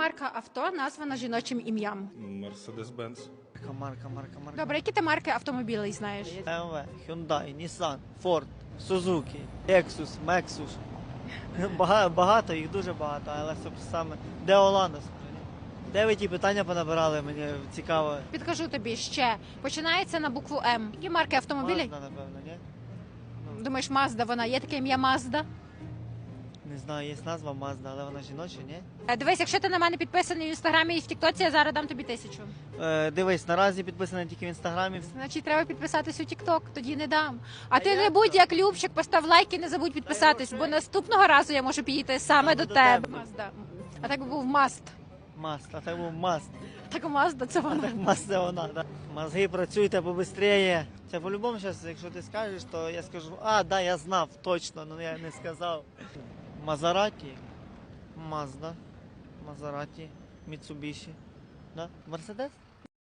марка авто названа жіночим ім'ям? Мерседес-Бенц. Марка. Добре, які ти марки автомобілей знаєш? BMW, Hyundai, Nissan, Ford, Suzuki, Lexus, Lexus. Багато, їх дуже багато, але саме де Олана? Де ви ті питання понабирали, мені цікаво. Підкажу тобі ще. Починається на букву М. Які марки автомобілів? Mazda, напевно, ні? Думаєш, Mazda вона? Є таке ім'я Mazda? Не знаю, є назва Mazda, але вона жіноча, ні? Дивись, якщо ти на мене підписаний в інстаграмі і в Тіктоці, я зараз дам тобі 1000. Дивись, наразі підписаний тільки в інстаграмі. Значить, треба підписатись у Тікток, тоді не дам. А ти не будь як Любчик, постав лайк і не забудь підписатись, бо наступного разу я можу підійти саме до тебе. Mazda. А так би був Маст. Маст, а так був Маст. Так Mazda це вона. Так Маст це вона, так. Мозги працюйте побистріє. Це по-любому зараз, якщо ти скажеш, то я скажу, да, я знав точно, але я не сказав. Мазераті, Мазда, Мазераті, Міцубіші, да? Мерседес?